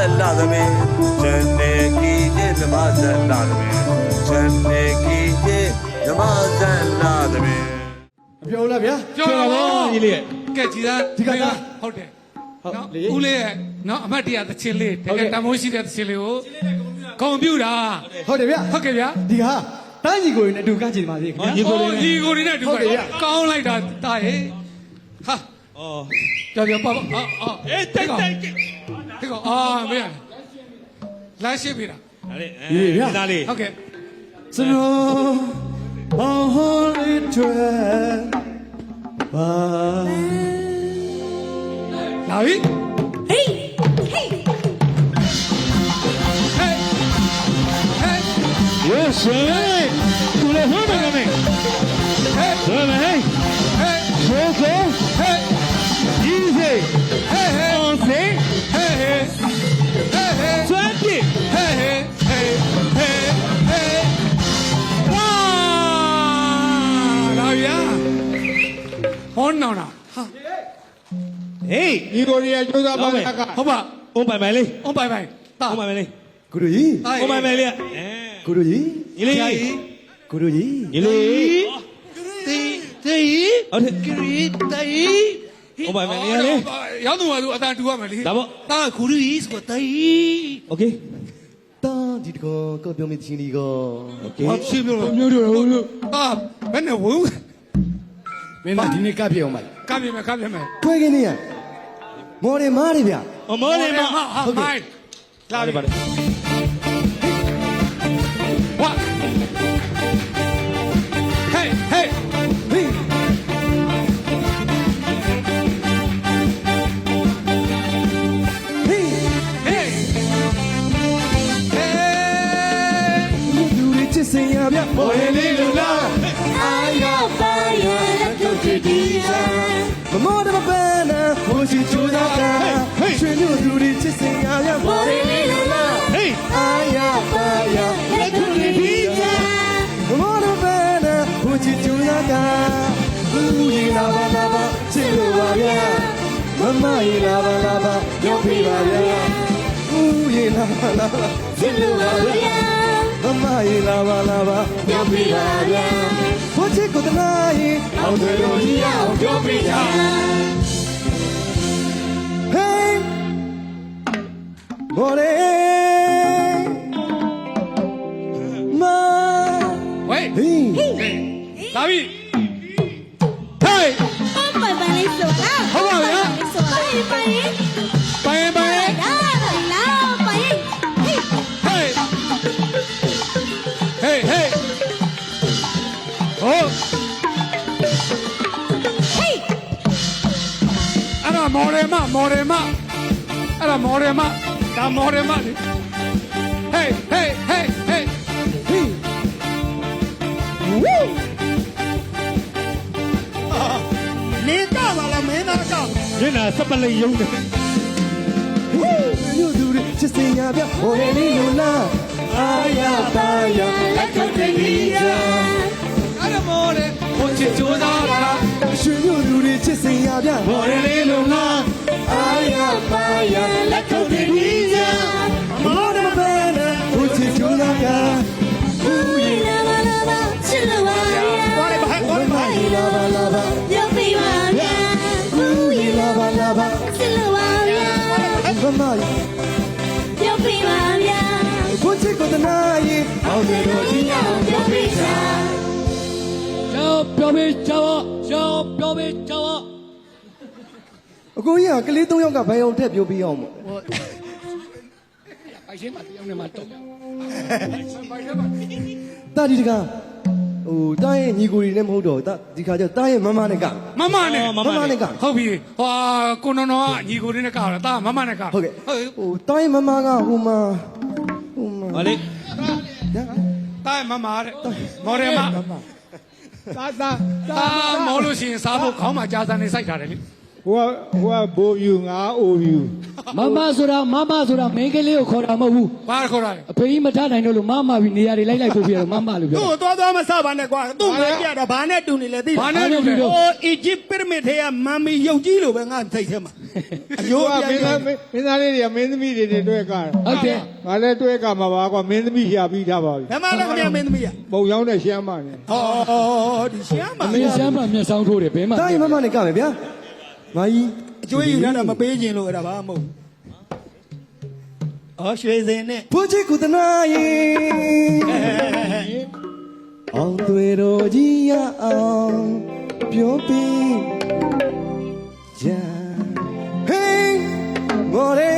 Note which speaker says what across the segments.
Speaker 1: လာသမီးဇန်နေကီရဲ့ဓမ္မဇန်လာသမီးဇန်နေကီရဲ့ဓမ္မဇန်လာသမီး
Speaker 2: မပြောလားဗျာ
Speaker 3: ပြောတော့
Speaker 4: ကြီးလေး
Speaker 3: ကဲကြည်သား
Speaker 2: ဒီကက
Speaker 3: ဟုတ်တယ်နော်ဦးလေးရဲ့နော်အမတ်တရားသချင်းလေးတကယ်တမိုးရှိတဲ့သချင်းလေးကိုကွန်ပျူတာ
Speaker 2: ဟုတ်တယ်ဗျာ
Speaker 3: ဟုတ်ကဲ့ဗျာ
Speaker 2: ဒီဟာတန်းကြီးကိုနဲ့အတူကကြည့်ပါသေးခင်ဗျာ
Speaker 3: ညီကိုတွေနဲ့အတူကောင်းလိုက်တာတာဟဲ့ဟာကြောက်ပါအော်
Speaker 4: အေးတိုက်
Speaker 3: ဒီကောအာမင်းလမ်းရှိပြီလား
Speaker 4: ဒီသားလေး
Speaker 3: ဟုတ်ကဲ့
Speaker 2: စနောဟောလေးတွေဘာ
Speaker 3: လာပြီ
Speaker 5: ဟေးဟေး
Speaker 4: Yes, hey! Tu le vas a ganar. Hey, hey, hey, Jose, hey, Easy, hey, hey, 11, hey, hey, hey, hey, 20, hey, hey, hey, hey, hey. Wow!
Speaker 3: Now yeah. On now now.
Speaker 4: Hey,
Speaker 6: ဒီကိုရီးယားကျိုးသားပါက
Speaker 3: ဟုတ်ပါ
Speaker 4: on bye bye လေး
Speaker 3: on bye bye တာ
Speaker 4: on bye bye လေး
Speaker 2: ကိုတို့ကြီး
Speaker 4: on bye bye လေး
Speaker 2: ကိုတို့ကြီး
Speaker 4: ညီလေး
Speaker 2: ကိုတို့ကြီး
Speaker 4: ညီလေး
Speaker 3: တေး
Speaker 4: ဟုတ်တယ်
Speaker 3: ဂရီတေး
Speaker 4: on bye bye လေးလေ
Speaker 3: ရောက်တော့သူအတန်တူရမယ်လေ
Speaker 4: ဒါပေါ့
Speaker 3: တာဂူရီဆိုတေး
Speaker 4: Okay
Speaker 2: တန်းဒီကောပြောမချင်းဒီကော
Speaker 4: Okay
Speaker 3: ဘာဖြစ်လို့မျိုးတို့တာဘယ်နဲ့ဝုန်း
Speaker 2: မင်းကဒီနေ့ကပ်ပြအောင်ပါ
Speaker 3: ကပ်ပြမယ်
Speaker 2: ခွဲခင်းနေရမော်တယ်မားတယ်ဗျာ
Speaker 4: အမောလေးမ
Speaker 3: ဟုတ်ကဲ့လာပြီ
Speaker 4: ပါတယ်
Speaker 3: What? Hey, hey.
Speaker 2: Hey. Hey.
Speaker 3: Hey. Hey.
Speaker 2: Du de chisen ya bya mo le lu la.
Speaker 5: Aya fire let's go to the
Speaker 2: Mo de ba na ho si chu da ka. Shwe nyu du de chisen ya bya mo le lu la.
Speaker 4: Hey
Speaker 2: Aya fire let's go to the Mo de ba na ho si chu da ka. Ooh la ba chin lu ba ya. Mama yi la ba yo pi ba ya. Ooh la ba chin lu ba ya. Mama yi la ba yo pi ba ya. Ho chi ko ta yi ao de lo ji ya yo pi ya. Hey More Ma
Speaker 3: Wait.
Speaker 2: Hey
Speaker 3: လာပြီ Hey.
Speaker 5: bye bye လေးဆိုလား
Speaker 3: ဟုတ်ပါဗျာ
Speaker 5: ဆိုပါဘိုင်
Speaker 3: ပိုင်
Speaker 5: လာဘိုင်ဟေး
Speaker 3: Hey. Hey, hey. Oh.
Speaker 5: ဟေး
Speaker 3: အဲ့ဒါမော်ဒယ်မအဲ့ဒါမော်ဒယ်မဒါမော်ဒယ်မလေ Hey, hey, hey, hey.
Speaker 2: Hey Woo
Speaker 3: နေကပါလားမင်းသားက
Speaker 4: ညနာစပလိတ်ယုံတယ်
Speaker 2: Woo You do it just in ya bya mo le lu la. Aya ba ya let go de ya.
Speaker 3: အဲ့ဒါမော်ဒယ်ဟိုချစ်ကြိုးစားတာ
Speaker 2: Shwe nyu du de chisen ya bya mo le lu la. Aya ba ya let go de ya. Mo de ba na ho chi chu da ka. Ooh
Speaker 5: လာလာချစ်လို့ပါဗျာ
Speaker 2: Mama yi la ba
Speaker 5: ရုပ်ပြီးပါဗျာ
Speaker 2: Ooh la ba
Speaker 5: ချစ်လို့ပါဗျာ
Speaker 2: Mama yi
Speaker 5: ရုပ်ပြီးပါဗျာ
Speaker 2: ho chi ko ta yi ao de lo ji ya
Speaker 5: ရုပ်ပြီးပါ
Speaker 3: ပြောပေးကြပါပြောပေးကြပါ
Speaker 2: အကိုကြီးကကလေး၃ယောက်ကဘယ်အောင်ထက်ပြောပြအောင်မို့
Speaker 3: ပိုင်ရှင်းမှာတယောက်နဲ့မှတော့
Speaker 2: တာဒီတကဟိုတားရဲ့ညီကိုတွေလည်းမဟုတ်တော့ဒီခါကျတားရဲ့မမနဲ့က
Speaker 3: မမနဲ့
Speaker 2: မမနဲ့က
Speaker 3: ဟုတ်ပြီဟွာကိုနော်နော်ကညီကိုလေးနဲ့ကောက်တာမမနဲ့ကောက်
Speaker 2: ဟုတ်ကဲ့ဟိုတားရဲ့မမကဟိုမှာ
Speaker 4: ဟောလေ
Speaker 3: တာမမတဲ့မော်ဒယ်မ
Speaker 6: သာသာ
Speaker 3: တာမော်လို့ရှိရင်စားဖို့ခေါင်းမှာကြာစံနေစိုက်ထားတယ်လေ
Speaker 6: ဟိုကဘိုးယူငါအိုယူ
Speaker 7: မမဆိုတာမင်းကလေးကိုခေါ်တာမဟုတ်ဘူး
Speaker 3: ဘာခေါ်တာလဲ
Speaker 7: အဖေကြီးမထနိုင်တော့လို့မပြီးနေရာတွေလိုက်ပို့ပြတော့မလို့ပြော
Speaker 6: သူ့ကိုသွားမစပါနဲ့ကွာသူ့ငါပြတာဘာနဲ့တူနေလဲသိ
Speaker 3: ဘာနဲ့တူတယ်
Speaker 6: ဟိုအီဂျစ်ပရမစ်ထဲကမမ်မီရုပ်ကြီးလိုပဲငါစိတ်ထဲမှာအယိုးကမင်းသားလေးတွေကမင်းသမီးတွေတွဲကား
Speaker 7: ဟုတ်တယ်
Speaker 6: ငါလည်းတွဲကားမှာပါကွာမင်းသမီးရှာပြီးထားပါပြီဘယ်မှာလဲခင်ဗျမင်းသမီးရပုံရောက်တဲ့ရှမ်းမနဲ့ဟောဒီရှမ်းမ
Speaker 7: အမေရှမ်းမမျက်စောင်းထိုးတယ်ဘယ်မှာ
Speaker 2: တိုင်းမမနဲ့ကမယ်ဗျာမာကြီး
Speaker 6: အကျွေးယူတာမပေးခြင်းလို့အဲ့ဒါဘာမဟုတ်အော်ရွှေစင်နဲ့
Speaker 2: ဖိုးချစ်ကုသနာယေအောင်တွေတော်ကြီးရအောင်ပြောပြီးကြဟေးမော်ရေ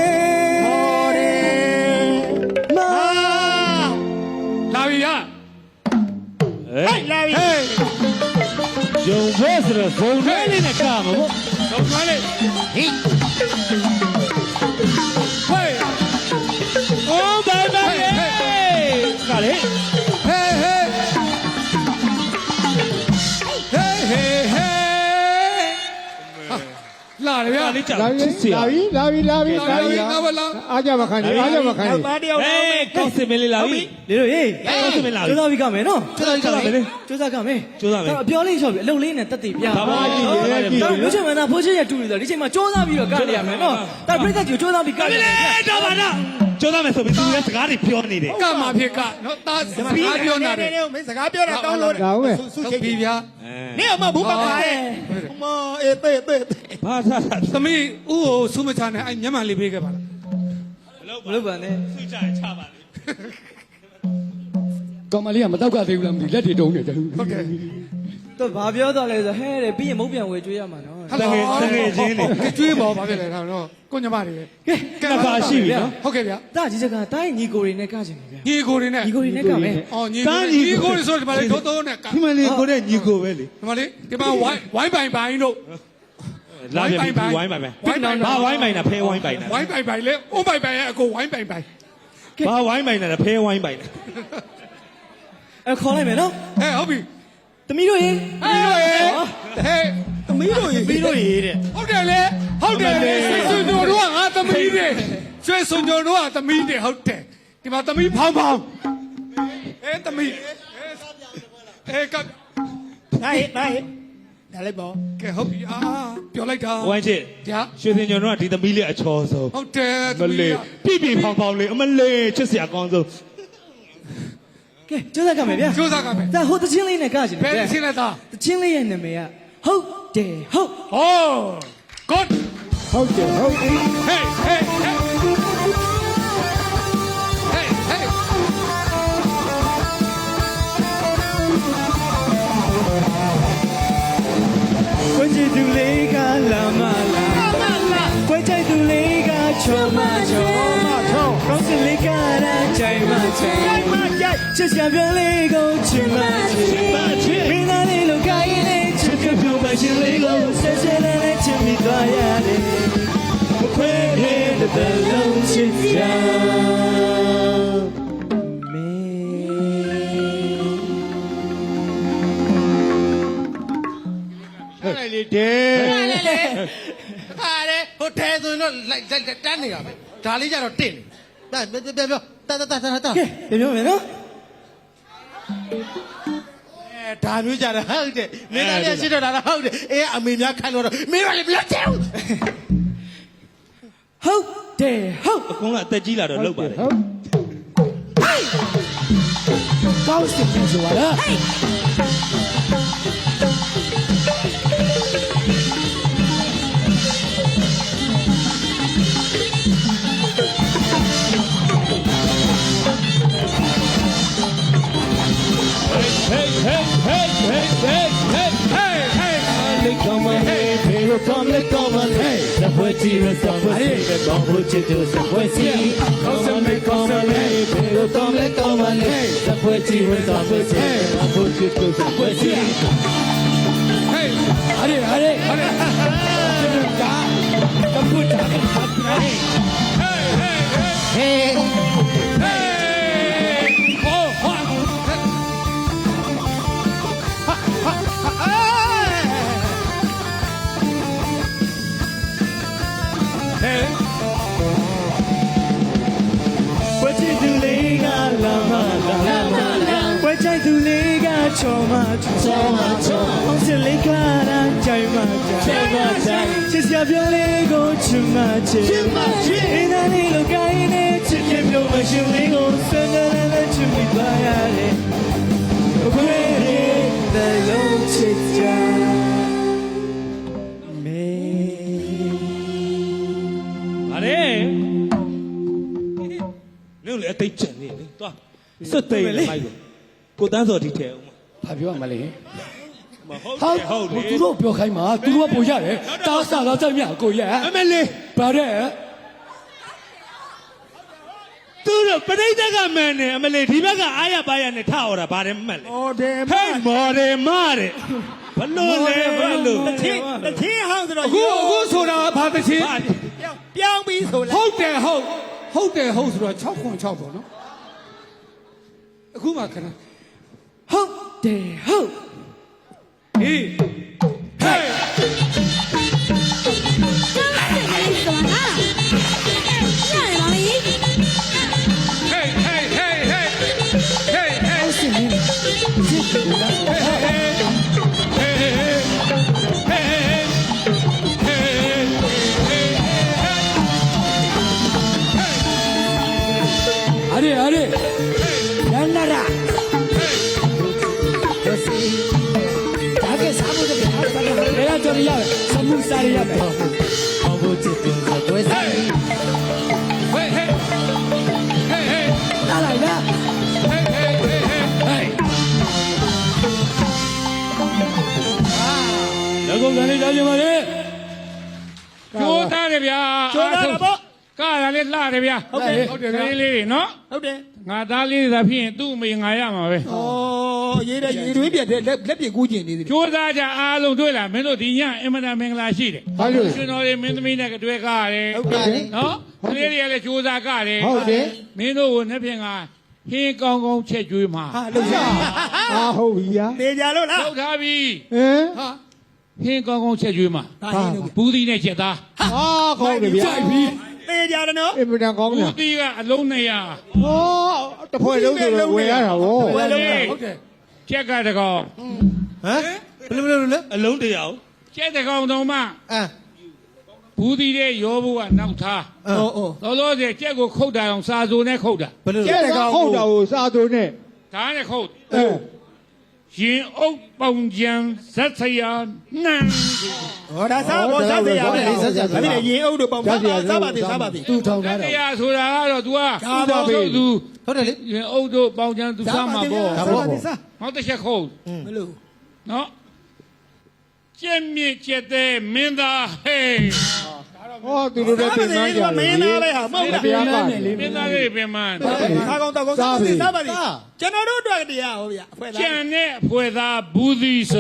Speaker 2: မာ
Speaker 3: လာပြီဟာ
Speaker 4: ဟဲ့လာပြီဂျုံဘဲဆိုတော့ဇုံလေးနဲ့ကမှာပေါ့
Speaker 3: တော့ကျွမ်းလေဟိဟေး
Speaker 4: အော်ဘာဘာလေကလေ
Speaker 3: ဟေးဟေးဟေးဟေးလာတယ်ဗျာ
Speaker 4: လေးကြောက်ချစ်စရာ
Speaker 6: လာပြီ
Speaker 3: လာပြီငါမလာ
Speaker 6: အားကြမခံနေအားကြမခံနေသားတယောက်
Speaker 4: ဟေးကောင်းစင်မလေးလာပြီ
Speaker 2: လေတို့ဟေး
Speaker 4: ကောင်းစင်မလာပြီ
Speaker 2: ကျိုးစားပြီးကမယ်နော်
Speaker 4: ကျိုးစားကမယ်လေ
Speaker 2: ကျိုးစားကမယ်
Speaker 4: ကျိုးစားမယ်
Speaker 2: အပြောလေးလျှော့ပြီးအလုပ်လေးနဲ့တက်တည်ပြ
Speaker 4: ဘာမှမကြည့်ရဲကြည့်
Speaker 2: ဒါမျိုးချင်မှသာဖိုးချစ်ရတူနေတော့ဒီချိန်မှာကျိုးစားပြီးတော့ကရရမယ်နော်ဒါပြိဿကြီးကျိုးစားပြီးကရ
Speaker 4: မ
Speaker 2: ရမယ်
Speaker 4: လေးတော့ပါတော့ကျိုးသားမယ်ဆိုပြီးသူလည်းစကားတွေပြောနေတယ်
Speaker 3: ကမှာဖြစ်ကနော်တာစကားပြောနေတယ်
Speaker 6: မင်းစကားပြောတာတောင်းလို့ဒါဟုတ်မယ်
Speaker 3: ဟုတ်ပြီဗျာ
Speaker 6: နေအမဘူးပါပါရဲ့အမအေးတေးတေး
Speaker 4: ဘာသာသာ
Speaker 3: သမီးဥကိုဆူမချနဲ့အဲ့မျက်မှန်လေးပေးခဲ့ပါလား
Speaker 2: ဘလို့ပါနဲ့
Speaker 4: သူကြချပါလေ
Speaker 7: ကောင်မလေးကမတော့ကသေးဘူးလားမသိလက်တွေတုံးနေတယ်
Speaker 3: ဟုတ်ကဲ့
Speaker 2: တော့ဘာပြောတော့လဲဆိုဟဲတဲ့ပြီးရင်မုတ်ပြန်ဝေကျွေးရမှာနော်
Speaker 3: တကယ်ချင်းနေကျွေးပေါ်ပါဖြစ်လေဒါတော့ကိုညမတွေ
Speaker 4: ကဲပါရှိပြီနော်
Speaker 3: ဟုတ်ကဲ့ဗျာ
Speaker 2: ဒါကြီးစကားတိုင်းညီကိုတွေနဲ့ကချင်တယ်ဗျာ
Speaker 3: ညီကိုတွေနဲ့
Speaker 2: ညီကိုတွေနဲ့ကမယ်
Speaker 3: အော်ညီကိုတွေဆိုဒီမှာလေတိုးတိုးနဲ့က
Speaker 4: ဒီမလေးကိုတဲ့ညီကိုပဲလေ
Speaker 3: ဒီမှာလေဒီမှာဝိုင်းပိုင်ပိုင်တို့
Speaker 4: လာပြန်ပြီဝိုင်းပိုင်ပဲဘာဝိုင်းပိုင်တာဖဲဝိုင်းပိုင်တာ
Speaker 3: ဝိုင်းပိုင်ပိုင်လေအုံးပိုင်ပိုင်ရဲ့အကိုဝိုင်းပိုင်ပိုင်
Speaker 4: ဘာဝိုင်းပိုင်တာဖဲဝိုင်းပိုင်တာ
Speaker 2: အဲခေါ်လိုက်မယ်နော်
Speaker 3: ဟဲ့ဟုတ်ပြီ
Speaker 2: သမီးတို့ရေ
Speaker 3: သမီးတို့ရေဟဲ့
Speaker 6: သမီးတို့ရေးတဲ့
Speaker 3: ဟုတ်တယ်လေဟုတ်တယ်လေဆွေညိုတို့ကငါသမီးတွေဆွေဆွေညိုတို့ကသမီးတွေဟုတ်တယ်ဒီမှာသမီးဖောင်းဖောင်းသမီးက
Speaker 6: ဒါဟဲ့ဒါလည်းပေါ့
Speaker 3: ကဲဟုတ်ပြီပြောလိုက်တာ
Speaker 4: ဝိုင်းချစ်
Speaker 3: ကြာ
Speaker 4: ရွှေစင်ညွန်တော့ဒီသမီးလေးအချောဆုံး
Speaker 3: ဟုတ်တယ်
Speaker 4: မလေးပြပြဖောင်းဖောင်းလေးအမလေးချစ်စရာကောင်းဆုံး
Speaker 2: ကဲကျိုးစားကမယ်ဗျာ
Speaker 3: ကျိုးစားကမယ်
Speaker 2: ဒါဟိုတချင်းလေးနဲ့ကချင်တယ်
Speaker 3: ဘယ်
Speaker 2: ဗျာ
Speaker 3: ရှင်းလဲသား
Speaker 2: တချင်းလေးရဲ့နာမည်ကဟုတ်တယ်ဟုတ်
Speaker 3: ဟော good
Speaker 6: ဟုတ်တယ်ဟုတ်တယ်
Speaker 3: hey hey hey hey hey
Speaker 2: ကိုချစ်သူလေးကလာမလာကိုချစ်သူလေးကချောမချောကောင်းစင်လေးကရာချိန်မချိန်ချစ်စရာပြန်လေးကိုချစ်မချစ်မင်းသားလေးလိုကိုင်းလေးချစ်ကပြုံးမချင်လေးကိုဆက်ဆက်နဲ့ချစ်မိသွားရတယ်မခွဲတဲ့လုံးချစ်ကြမေ
Speaker 6: အဲ့လေတဲ့ဟာလေဟိုထဲဆိုတော့လိုက်တန်းနေတာပဲဒါလေးကြတော့တင့်နေပြောတာ
Speaker 2: ကဲပြောမယ်နော်
Speaker 6: ဒါမျိုးကြတာဟုတ်တယ်မင်းသားလေးရှိတော့တာဟုတ်တယ်အေးအမေများခိုင်းလို့တော့မင်းတို့လည်းမလက်ချေဘူး
Speaker 2: ဟုတ်တယ်ဟုတ်
Speaker 4: အကုန်လုံးအသက်ကြီးလာတော့လောက်ပါတယ်
Speaker 2: ကောင်းစင်ပြန်ဆိုပါလား
Speaker 4: Hey hey hey hey hey hey
Speaker 3: hey hey
Speaker 4: Let come on hey hey come let come on hey The boy tears the boy the bomb to do the boy see Come on let come on hey hey come let come on hey The boy tears the boy hey the bomb to do the boy see
Speaker 3: hey
Speaker 7: ဟာလေဟာလေဟာလေဒါကပူတာ
Speaker 3: hey hey hey hey oh what hey
Speaker 7: ကြိုက်သူလေးကချော်မချော်မချော်အောင်စလေးကရာကြိုင်မကြိုင်မကြိုင်ချစ်စရာပြောလေးကိုချစ်မချစ်အင်းသားလေးလိုကိုင်းနေချစ်ခင်မျိုးမရှိလေးကိုဆွမ်းနဲ့ချစ်မိပါရတယ်ဘယ်လိုလဲလုံးချစ်ကြမေ
Speaker 4: ဗါလေမင်းလည်းအသိချင်နေလေသွားစက်သိမ်းမိုက်ကိုတန်းစော်ဒီထဲအောင်
Speaker 3: ဘာပြောရမလဲ
Speaker 4: မဟုတ်
Speaker 3: ဟာ
Speaker 4: ဟုတ်လေ
Speaker 3: သူတို့ပြောခိုင်းမှာသူတို့ကပို့ရတယ်တားစားတော့ကြမြကိုရ
Speaker 4: အမလေး
Speaker 3: ဗါတဲ့
Speaker 4: သူတို့ပရိသတ်ကမှန်တယ်အမလေးဒီဘက်ကအားရပါရနဲ့ထအော်တာဗါတယ်မှတ်လေ
Speaker 6: အော်တယ်
Speaker 4: ဟဲ့မော်တယ်မတဲ့ဘလို့လဲဘလို့
Speaker 6: တစ်ချင်းဟောင်းဆိုတော့
Speaker 3: အခုဆိုတာဘာတချင်း
Speaker 6: ပြောင်းပြီးဆိုလဲ
Speaker 3: ဟုတ်တယ်ဟုတ်ဆိုတော့606ပေါ့နော်အခုမှခဏဟုတ်တယ်ဟုတ်ဟေးဟေး
Speaker 5: 什么啊？让人王一，
Speaker 3: ဟေးဟေးဟေးဟေးဟေးဟေး
Speaker 7: 是你这是我的
Speaker 3: အရေအရေ
Speaker 7: 兰娜啦大概差不多他啥个
Speaker 3: ဘယ်ကကြော်ရရစမှုစားရရမယ်
Speaker 7: 我不知道我是
Speaker 3: ဟေးဟေးဟေးဟေး
Speaker 7: 哪来的
Speaker 3: ဟေးဟေးဟေးဟေး
Speaker 4: လက်ကုန်ကနေကြားကြပါလေ
Speaker 3: ကျိုးသားတယ်ဗျာ
Speaker 6: ကျော်တာပေါ့
Speaker 3: ကားရလေးလှတယ်ဗျာဟုတ်တယ်လေးလေးတွေနော်
Speaker 6: ဟုတ်တယ်
Speaker 3: ငါသားလေးသာဖြစ်ရင်သူ့အမေငါရမှာပဲ
Speaker 6: ဩရေးတဲ့ရေတွင်းပြတ်တဲ့လက်ပြကူးကျင်နေသေးတယ်
Speaker 3: ကျိုးသားကြအားလုံးတွေ့လားမင်းတို့ဒီညအင်မတန်မင်္ဂလာရှိတယ်ဘာလို့ရှင်တော်တွေမင်းသမီးနဲ့တွေ့ကားရတယ်
Speaker 6: ဟုတ်တယ်
Speaker 3: နော်ကလေးတွေကလည်းကျိုးသားကားတယ်
Speaker 2: ဟုတ်တယ်
Speaker 3: မင်းတို့ကိုနှစ်ဖြင့်ကဟင်းကောင်းကောင်းချက်ကျွေးမှာ
Speaker 6: ဟာလို့ရ
Speaker 2: အာဟုတ်ပြီယာ
Speaker 6: တေကြလို့လား
Speaker 3: လောက်ထားပြီ
Speaker 2: ဟမ်
Speaker 3: ဟာဟင်းကောင်းကောင်းချက်ကျွေးမှာ
Speaker 6: ဒါရင်းလို့
Speaker 3: ဘူးသီးနဲ့ချက်သား
Speaker 2: အာကောင်းတယ်ဗျာ
Speaker 3: ကြိုက်ပြီ
Speaker 6: တေကြတယ်နော်
Speaker 2: အင်မတန်ကောင်း
Speaker 3: ဘူ
Speaker 2: တယ်
Speaker 3: သီးကအလုံး200
Speaker 2: ဟောတစ်ဖွဲ့လုံးဆိုတော့ဝယ်ရတာဗော
Speaker 3: ဟုတ်တယ်ချက်ကတကောင်
Speaker 2: ဟမ်ဘယ်လိုလဲ
Speaker 4: အလုံးတရား
Speaker 3: ချက်တကောင်တော့မှ
Speaker 2: အမ်
Speaker 3: ဘူးသီးတဲ့ရောဘူးကနောက်ထား
Speaker 6: ဩဩ
Speaker 3: လောလောဆယ်ကြက်ကိုခုတ်တာအောင်စာစိုးနဲ့ခုတ်တာ
Speaker 2: ဘယ်လိုလဲဟုတ်တာကိုစာသွင်းနဲ့
Speaker 3: ဒါနဲ့ခုတ်
Speaker 2: အဲ
Speaker 3: ရင်အုပ်ပေါင်ကြံဇက်ဆရာနန်း
Speaker 6: ဟောဒါစားဘောစားစရာပဲဒါဖြစ်နေရင်အုပ်တို့ပေါင်းစားပါသေး
Speaker 7: သူထောင်ထား
Speaker 3: ဇ
Speaker 7: တာ
Speaker 3: က်ဆရာဆိုတာကတော့ तू က
Speaker 6: ဒါပါပဲ
Speaker 3: သူ
Speaker 7: ဟုတ်တယ်လေ
Speaker 3: ရင်အုပ်တို့ပေါင်ကြံသူစားမှာပေါ့
Speaker 6: စားပါသေးစား
Speaker 3: နောက်တစ်ချက်ခုတ်
Speaker 6: ဘယ်လို
Speaker 3: နော်ကျက်မြင့်ကျက်တဲ့မင်းသားဟေး
Speaker 2: ဟောသူတို့လည်းပြင်သားကြတယ်
Speaker 6: မင်းသားပဲဟာမဟုတ်လား
Speaker 2: တရားပါ
Speaker 3: မင်းသားလေးပင်မန်း
Speaker 6: စားကောင်းတောက်ကောင်းစားပါသေးကျွန်တော်တို့အတွက်တရားဟောဗျာအဖွဲသား
Speaker 3: ကျန်တဲ့ဖွဲ့သားဘူးသီးစာ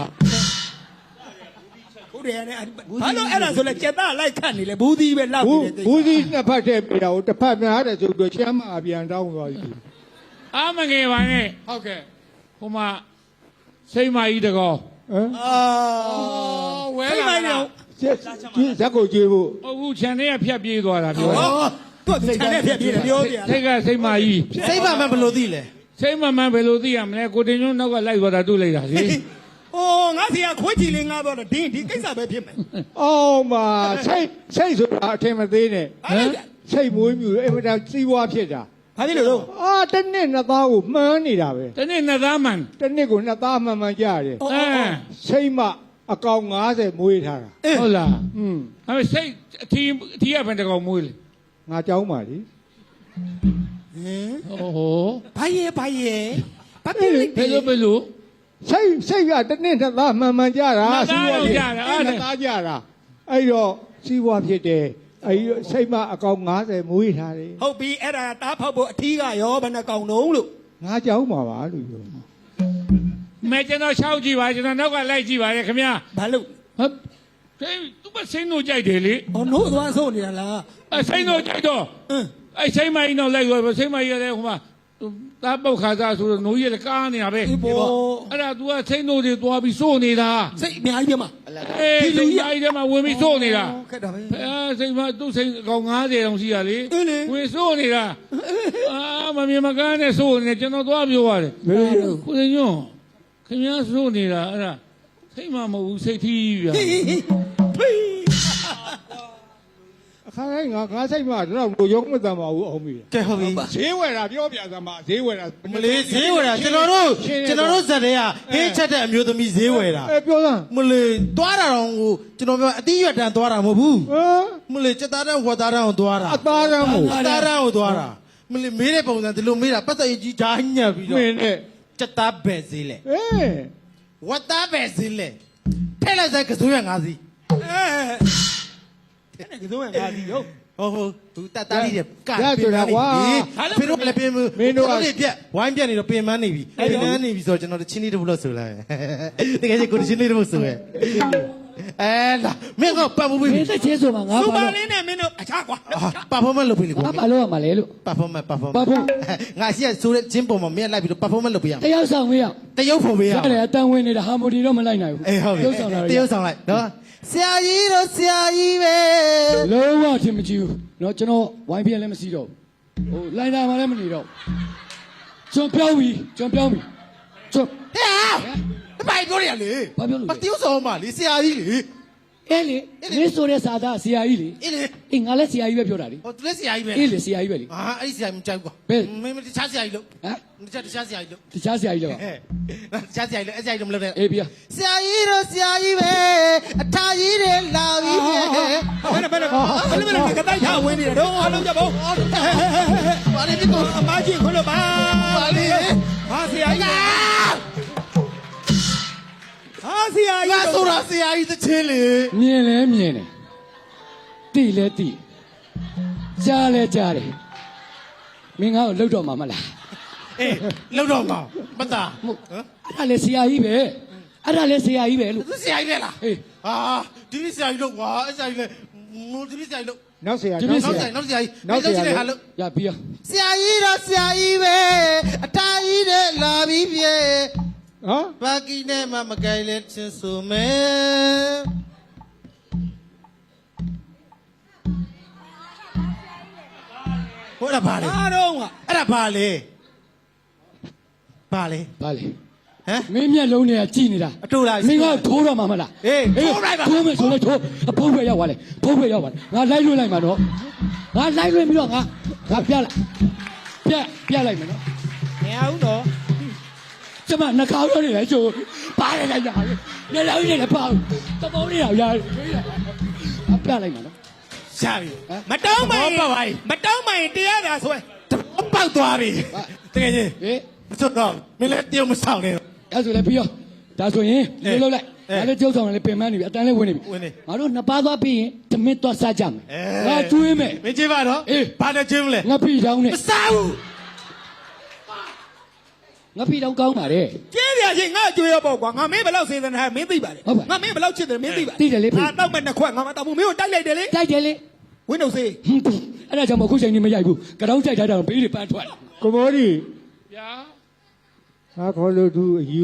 Speaker 6: ဟုတ်တယ်နဲ့ဘာလို့အဲ့ဒါဆိုလဲကျက်သားလိုက်ခတ်နေလေဘူးသီးပဲလောက်နေတယ်
Speaker 2: ဘူးစီးနှစ်ဖက်တည်းပြတာကိုတစ်ဖက်များတယ်ဆိုတော့ချမ်းမအပြန်တောင်းသွားပြီ
Speaker 3: အာမငယ်ပါနဲ့ဟုတ်ကဲ့ဟိုမှာစိတ်မကြီးတကော
Speaker 2: ဟမ်
Speaker 6: အာ
Speaker 3: ဝဲ
Speaker 6: ဖိ
Speaker 3: လာ
Speaker 6: မိုင်း
Speaker 3: တာ
Speaker 6: တော့
Speaker 2: ဇက်ကိုကြွေးဖို့
Speaker 3: အခုခြံထဲကဖြတ်ပြေးသွားတာပြော
Speaker 6: ဟောသူ့ခြံနဲ့ပြည့်ပြောပြ
Speaker 3: စိတ်ကစိတ်မကြီး
Speaker 7: စိတ်ပါမှဘယ်လိုသိလဲ
Speaker 3: စိတ်မမှန်ဘယ်လိုသိရမလဲကိုတင်ညွန်းနောက်ကလိုက်သွားတာတွေ့လိုက်တာလေ
Speaker 6: အိုးငါစီကခွေးချီလေးငါတော့ဒီကိစ္စပဲဖြစ်မယ်
Speaker 2: အော်မာစိတ်ဆိုတာအထင်မသေးနဲ့
Speaker 6: ဟမ်
Speaker 2: စိတ်မွေးမြူအင်မတန်စီးပွားဖြစ်တာ
Speaker 6: ဘာဖြစ်လို့တော့
Speaker 2: အာတစ်နှစ်နှစ်သားကိုမှန်းနေတာပဲ
Speaker 3: တနေ့နှစ်သားမှန်
Speaker 2: တစ်နှစ်ကိုနှစ်သားမှန်မှန်ကြရတယ်
Speaker 3: အဲ
Speaker 2: စိတ်မအကောင်90မွေးထားတာ
Speaker 3: ဟုတ်လား
Speaker 2: อืม
Speaker 3: အဲစိတ်အထီးကဘယ်တကောင်မွေးလဲ
Speaker 2: ငါကြောင်းပါလေ
Speaker 3: โอ้โห
Speaker 6: ဘာရဲ့ဘာဖြစ်လဲ
Speaker 3: ဘယ်လို
Speaker 2: စိတ်ကတစ်နှစ်နှစ်သားမှန်မှန်ကြတာ
Speaker 3: နှစ်သားတော့ကြတာအဲ့ဒါ
Speaker 2: နှစ်သားကြတာအဲ့တော့စီးပွားဖြစ်တယ်အဲ့ဒီစိတ်မအကောင်90မွေးထားတယ်
Speaker 6: ဟုတ်ပြီအဲ့ဒါတားဖောက်ဖို့အထီးကရောဘယ်နှကောင်လုံးလို့
Speaker 2: ငါကြောင်းပါပါလို့ပြော
Speaker 3: မဲကျွန်တော်ရှောက်ကြည့်ပါကျွန်တော်နောက်ကလိုက်ကြည့်ပါလေခင်ဗျာ
Speaker 6: ဘာလို့
Speaker 3: ဟမ်သူမစိမ့်တို့ကြိုက်တယ်လေ
Speaker 6: ဟောနို့သွားဆိုနေတာလား
Speaker 3: စိမ့်တို့ကြိုက်တော့
Speaker 6: အင်း
Speaker 3: စိမ့်မကြီးတော့လိုက်သွားစိမ့်မကြီးလည်းဟိုမှာတာပုတ်ခါစားဆိုတော့နိုးရကားနေတာပဲ
Speaker 6: ဒီပေါ်
Speaker 3: အဲ့ဒါ तू ကစိတ်နိုးတွေသွားပြီးစိုးနေတာ
Speaker 6: စိတ်အများကြီးပဲမှာ
Speaker 3: အေးစိတ်ကြီးထဲမှာဝင်ပြီးစိုးနေတာ
Speaker 6: ခက်တာပဲ
Speaker 3: အဲစိတ်မသူ့စိတ်အကောင်90တောင်ရှိရလေ
Speaker 6: အေးလေ
Speaker 3: ဝင်စိုးနေတာအာမမြင်မကန်းနဲ့စိုးနေကျွန်တော်သွားပြောရတယ်ကိုစင်ညွန့်ခင်ဗျားစိုးနေတာအဲ့ဒါစိတ်မှမဟုတ်ဘူးစိတ်ထီးဗျာ
Speaker 4: အခါတိုင်းငါစိတ်မှတော့ရုံးမတန်ပါဘူးအောင်ပြီ
Speaker 2: ကဲဟုတ်ပြီ
Speaker 4: ဈေးဝယ်တာပြောပြစမ်းပါဈေးဝယ်တာ
Speaker 2: မလေးဈေးဝယ်တာကျွန်တော်တို့ဇက်တွေကဟင်းချက်တဲ့အမျိုးသမီးဈေးဝယ်တာ
Speaker 4: ပြောစမ်း
Speaker 2: မလေးသွားတာတော့ကိုကျွန်တော်ပြောအတိရွက်တန်းသွားတာမဟုတ်ဘူး
Speaker 4: ဟမ်
Speaker 2: မလေးစက်သားတန်းဝက်သားတန်းကိုသွားတာ
Speaker 4: အသားရမ်းမို့
Speaker 2: အသားတန်းကိုသွားတာမလေးမေးတဲ့ပုံစံဒီလိုမေးတာပတ်သက်ကြီးဓာတ်ညက်ပြီး
Speaker 4: မ
Speaker 2: တော့
Speaker 4: င်းနဲ့
Speaker 2: စက်သားပဲဈေးလေ
Speaker 4: အေး
Speaker 2: ဝက်သားပဲဈေးလေထဲလိုက်ဆိုင်ကစိုးရငါးစီး
Speaker 6: အဲ့ဒါကတော့ငါဒီရော
Speaker 2: ဟုတ်သူတတ်တားလေးက
Speaker 4: ရဆိုတာကွာ
Speaker 2: ဖေတို့လည်းပင်မလေးပြက်ဝိုင်းပြက်နေတော့ပင်မနေပြီပင်မနေပြီဆိုတော့ကျွန်တော်ချင်းလေးတစ်ပုလို့ဆိုလိုက်တကယ်ကြီးကိုချင်းလေးတစ်ပုဆိုရဲအဲလာမင်းကပတ်မှုပြီ
Speaker 7: မင်းသက်ချင်းဆိုမှာငါ
Speaker 6: စူ
Speaker 7: ပါ
Speaker 6: ပါ
Speaker 7: လို့
Speaker 6: လေးနဲ့မင်းတို့အခြားကွာ
Speaker 2: ပါဖော်မန့်လုပ်ပြီလေကို
Speaker 7: ငါပါလို့ရမှာလေလို့
Speaker 2: ပါဖော်မန့်
Speaker 7: ပါဖို့
Speaker 2: ငါရှိရဆိုတဲ့ချင်းပုံမှာမင်းလိုက်ပြီးတော့ပါဖော်မန့်လုပ်ပေးရအောင်
Speaker 7: တယောက်ဆောင်မရအောင်
Speaker 2: တရုပ်ဖို့ပေးရ
Speaker 7: ရ
Speaker 2: အောင်
Speaker 7: တယ်အတန်ဝင်နေတာဟာမိုဒီတော့မလိုက်နိုင်ဘူး
Speaker 2: အေးဟုတ်ပြီ
Speaker 7: ရုပ်ဆောင်တာ
Speaker 2: တရုပ်ဆောင်လိုက်နော်ဆရာကြီးတို့ဆရာကြီးပဲ
Speaker 7: လုံးဝထင်မကြည့်ဘူးเนาะကျွန်တော်ဝိုင်းပြက်လည်းမစီတော့ဘူးဟိုလိုင်းတာမှလည်းမနေတော့ကျွန်ပြောင်းပြီကျွန်
Speaker 2: ဟဲ့ဘာပြောရလဲ
Speaker 7: ဘာပြောလို့
Speaker 2: မတရုပ်ဆောင်ပါလေဆရာကြီးလေ
Speaker 7: အဲ့လေမင်းဆိုတဲ့စာသားဆရာကြီးလေ
Speaker 2: အေးလေ
Speaker 7: အေးငါလည်းဆရာကြီးပဲပြောတာလေ
Speaker 2: ဟိုသူလည်းဆရာကြီးပဲ
Speaker 7: အေးလေဆရာကြီးပဲလေ
Speaker 2: အာအဲ့ဒီဆရာကြီးမကြိုက်ဘူးကွာ
Speaker 7: ဘယ်
Speaker 2: မင်းတခြားဆရာကြီးလို့
Speaker 7: ဟမ်
Speaker 2: တခြားဆရာကြီးလို့
Speaker 7: တခြားဆရာကြီးလေပါ
Speaker 2: ဟဲ့တခြားဆရာကြီးလို့အဲ့ဆရာကြီးလို့မလုပ်နဲ့
Speaker 7: အေးပြ
Speaker 2: ဆရာကြီးတို့ဆရာကြီးပဲအထာကြီးတွေလာပြီဟဲ့
Speaker 6: ဘယ်နဲ့ကတိုက်ထားဝင်နေတယ်တော့အားလုံးကြပါဦး
Speaker 2: ဘာလဲဒီကို
Speaker 6: အမကြီးခွလို့ပါ
Speaker 2: ဘာလဲ
Speaker 6: ဟာဆရာကြီးဟာဆရာ
Speaker 2: ငါ
Speaker 6: ကြီး
Speaker 2: ဆိုတာဆရာကြီးတစ်ချင်းလေ
Speaker 7: မြင်လဲမြင်တယ်တိလဲတိကြားလဲကြားတယ်မင်းငါ့ကိုလှုပ်တော့မှာမလား
Speaker 2: အေးလောက်တော့မှာမသား
Speaker 7: ဟုတ်အဲ့ဒါလဲဆရာကြီးပဲအဲ့ဒါလဲဆရာကြီးပဲလို့
Speaker 2: သူဆရာကြီးပဲလား
Speaker 7: အေး
Speaker 2: ဟာဒီဆရာကြီးလို့ကွာအဲ့ဆရာကြီးလေဒီဆရာကြီးလို့
Speaker 4: နောက်ဆရာ
Speaker 2: နောက်ဆရာကြီးနောက်ဆရာကြီးဟာလို့
Speaker 7: ရပြီရ
Speaker 2: ဆရာကြီးတော့ဆရာကြီးပဲအထာကြီးတွေလာပြီပြေ
Speaker 4: ဟမ်
Speaker 2: ဘာကီနဲ့မှမကိုင်လဲချင်းဆိုမယ်ဟိုဒါဘာလဲ
Speaker 6: အားတော့က
Speaker 2: အဲ့ဒါဘာလဲဘာလဲ
Speaker 7: ဗါလေ
Speaker 2: ဟမ်
Speaker 7: မင်းမျက်လုံးတွေကကြည်နေတာ
Speaker 2: အတူလား
Speaker 7: မင်းကထိုးတော့မှာမလား
Speaker 2: အေးထိုးလိုက်ပါ
Speaker 7: ထိုးမယ်ဆိုလဲထိုးအဖုံးပဲရောက်သွားလေဖုံးပဲရောက်သွားငါလိုက်လွှင့်လိုက်မှာနော်ငါလိုက်လွှင့်ပြီးတော့ငါပြလိုက်ပြလိုက်မယ်နော်
Speaker 6: မရဘူးတော့
Speaker 7: ကျမနှကောင်းရောနေလဲကျိုးပါတယ်လိုက်တာမျက်လုံးကြီးလည်းပေါ့သဘောလေးတော့ရတယ်ပြလိုက်မှာနော်
Speaker 2: ရပြီ
Speaker 6: မတောင်းမိုင်
Speaker 2: ပေါ့ပါ
Speaker 6: မတောင်းမိုင်တရားသာဆွဲ
Speaker 2: ပေါက်သွားပြီတကယ်ကြီး
Speaker 7: ဟေး
Speaker 2: ဆိုတော့မင်းလည်းတယောက်မဆောင်နဲ့
Speaker 7: အဲ့ဆိုလည်းပြီးရောဒါဆိုရင်ဒီလိုလုပ်လိုက်ဒါလည်းကျုပ်ဆောင်လည်းပင်မနေပြီအတန်းလည်းဝင်နေပြီ
Speaker 2: ဝင်နေ
Speaker 7: ငါတို့နှစ်ပါးသွားပြီးရင်ဓမင်းသွားစားကြမယ်ငါကျွေးမယ်
Speaker 2: မင်းကြည့်ပါတော့
Speaker 7: အေး
Speaker 2: ဘာနဲ့ချင်းမလဲ
Speaker 7: ငါပြီတောင်းနဲ့
Speaker 2: မစားဘူး
Speaker 7: ငါပြီတောင်းကောင်းပါတဲ့
Speaker 6: ကျင်းရချင်းငါကြွေးရပေါ့ကွာငါမင်းဘယ်လောက်စေတနာမင်းသိပါလေငါမင်းဘယ်လောက်ချစ်တယ်မင်းသိပါငါတောက်မဲ့နှစ်ခွက်ငါမတောက်ဘူးမင်းကိုတိုက်လိုက်တယ်လေ
Speaker 7: တိုက်တယ်လေ
Speaker 6: ဝင်းတို့စေး
Speaker 7: အဲ့ဒါကြောင့်မအခုချိန်ကြီးမရိုက်ဘူးကြောင်ကြိုက်ထားတာဘေးတွေပန်းထွက်လာ
Speaker 4: ကိုမောဒီ
Speaker 3: ဗျာ
Speaker 4: ဟာခေါ်လို့သူအယူ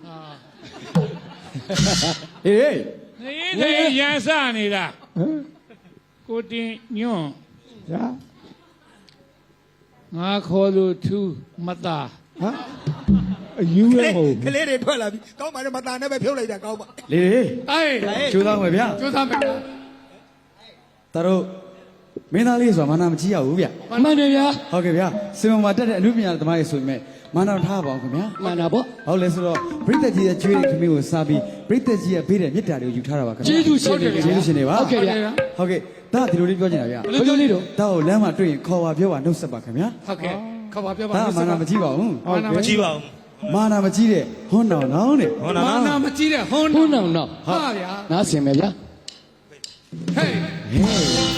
Speaker 7: ဟေး
Speaker 3: နေရန်စနေတာ
Speaker 4: ဟမ်
Speaker 3: ကိုတင်ညွန့်
Speaker 4: ညာ
Speaker 3: ငါခေါ်လို့သူမသား
Speaker 4: ဟာအယူရမဟုတ်
Speaker 6: ကလေးတွေထွက်လာပြီကောင်းပါနဲ့မตาနဲ့ပဲဖြုတ်လိုက်တာကောင်းပါ
Speaker 8: လေလေ
Speaker 3: အေး
Speaker 8: ကျိုးသားမယ်ဗျာ
Speaker 3: ကျိုးသားမယ်
Speaker 8: တတို့မင်းသားလေးဆိုတာမာနာမကြီးရဘူးဗျ
Speaker 7: မှန်တယ်ဗျာ
Speaker 8: ဟုတ်ကဲ့ဗျာစင်မမှာတက်တဲ့အမှုပညာသမားတွေဆိုရင်မာနာထားပါအောင်ခင်ဗျာ
Speaker 7: မှန်တာပေါ့
Speaker 8: ဟုတ်လဲဆိုတော့ပရိသတ်ကြီးရဲ့ကျွေးတဲ့ခမင်းကိုစားပြီးပရိသတ်ကြီးရဲ့ပေးတဲ့မေတ္တာတွေကိုယူထားတာပါခင်ဗျာ
Speaker 7: ကျေးဇူးရှင်တွေ
Speaker 8: ကျေးဇူးရှင်တွေပါ
Speaker 7: ဟုတ်ကဲ့ဗျာ
Speaker 8: ဟုတ်ကဲ့ဒါဒီလိုလေးပြောချင်တာဗျာ
Speaker 7: ဘယ်လိုလေးတော့
Speaker 8: ဒါကိုလမ်းမှာတွေ့ရင်ခေါ်ပါပြောပါနှုတ်ဆက်ပါခင်ဗျာ
Speaker 3: ဟုတ်ကဲ့ခေါ်ပါပြောပါ
Speaker 8: ဒါမာနာမကြီးပါဘူး
Speaker 3: မာနာမကြီးပါ
Speaker 8: မာနာမကြီးတဲ့ဟွန်းတော်နောင်းတဲ့
Speaker 3: မာနာမကြီးတဲ့ဟွန်း
Speaker 7: ဘုန်းတော်တော့
Speaker 3: ဟာဗျာ
Speaker 7: နားဆင်မယ်ဗျာ
Speaker 3: ဟေး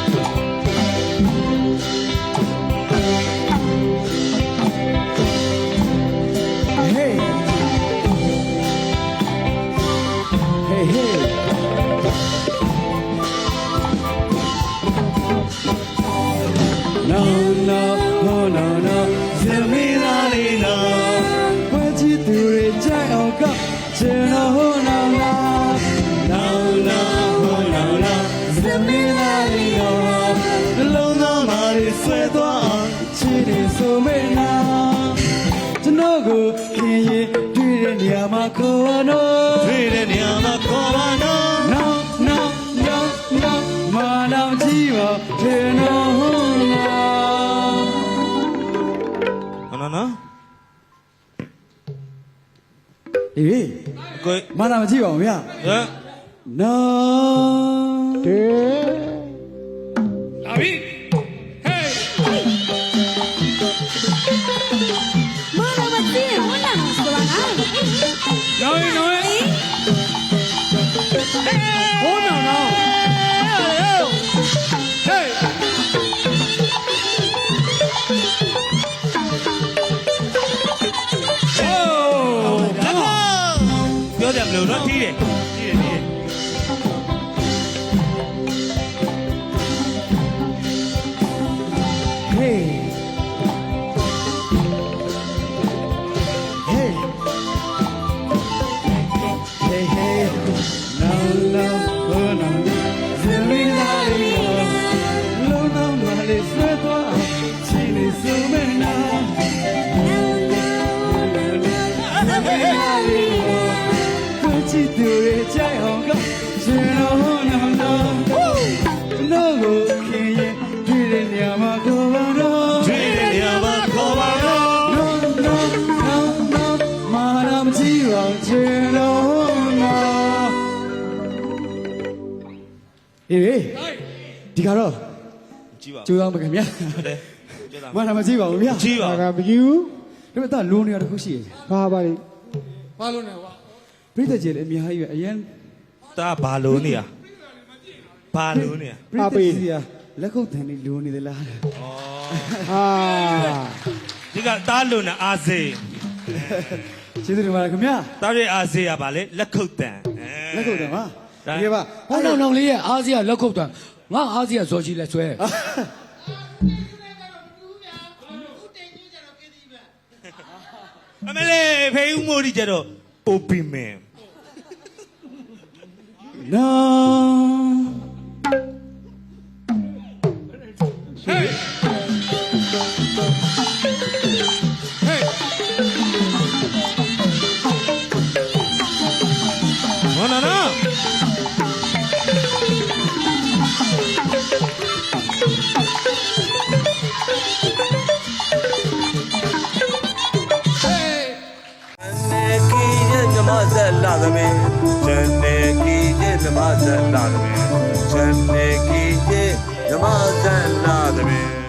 Speaker 8: ဟေးဟေးဟေး No, no, no, no, no.
Speaker 7: ဆွဲသွားအောင်ချစ်တယ်ဆိုမေနာကျွန်တော်ကိုခင်ရင်တွေ့တဲ့နေရာမှာခေါ်ပါတော့
Speaker 4: တွေ့တဲ့နေရာမှာခေါ်ပါတော့
Speaker 7: No no no no မနာကြည့်ပါထေနော်
Speaker 4: နော်
Speaker 8: အေး
Speaker 4: ကို
Speaker 8: မနာမကြည့်ပါဘူးဗျာ
Speaker 4: ဟမ်
Speaker 8: No
Speaker 3: လာပြီဟေး
Speaker 5: မတော်မသိရင်ဝန်လာမှာဆိုတာငါ
Speaker 3: ရောင်းရင်ရောင်းရင်ဟိုးနောင်နောင်ဟေး
Speaker 4: ပြောတယ်မလို့တော့တီးတယ်တီးတယ်
Speaker 8: Hey Hey Hey Hey No no oh no Zimidari no no male sweatwa chile sumena Kuchi dure chai honga Chino no no No go kiye Dire nyama kovano
Speaker 4: တွေ့တဲ့နေရာမှာခေါ်ပါတော့
Speaker 8: No no no no မာရမကြည့်ပါချင်လို့နော်အေးဒီကတော့
Speaker 4: ကြည့်ပါ
Speaker 8: ကျိုးအောင်ပါခင်ဗျာ
Speaker 4: ဟုတ်တယ်ကျတာ
Speaker 8: မာရမကြည့်ပါဘူးဗျာ
Speaker 4: ကြည့်ပါ
Speaker 2: ငါမယူ
Speaker 8: ဒါပေမဲ့တော့လိုနေရတစ်ခုရှိတယ်
Speaker 2: ဘာပါလိ
Speaker 3: ဘာလို့လဲကွာ
Speaker 8: ပြိတ္တကြီးလည်းအများကြီးပဲအရင်
Speaker 4: တာဘာလို့နေရဘာလို့နေရ
Speaker 8: ပြိတ္တကြီးကလက်ခုပ်တန်လေးလိုနေသလား
Speaker 2: အာ
Speaker 4: ဒီကတားလို့နေအာစေ
Speaker 8: ကျေးဇူးတင်ပါတယ်ခင်ဗျာ
Speaker 4: တားရဲ့အာစေကဘာလဲလက်ခုတ်တန်
Speaker 8: လက်ခုပ်တန်ပါ
Speaker 4: ဒါ
Speaker 8: ဒီပါ
Speaker 3: ဟောနောင်နောင်လေးရဲ့အားစီးကလက်ခုပ်တန်ငါအားစီးကဇော်ကြီးလက်ဆွဲ
Speaker 4: အမလေးဖေးဦးမိုးဒီကျတော့ open man
Speaker 8: No
Speaker 3: ဟေးဟေး
Speaker 4: နော်နော်
Speaker 1: နေကီရဲ့ဓမ္မဇက်လာသမီးဇန်နေကီရဲ့ဓမ္မဇက်လာသမီးဇန်နေကီရဲ့ဓမ္မဇက်လာသမီး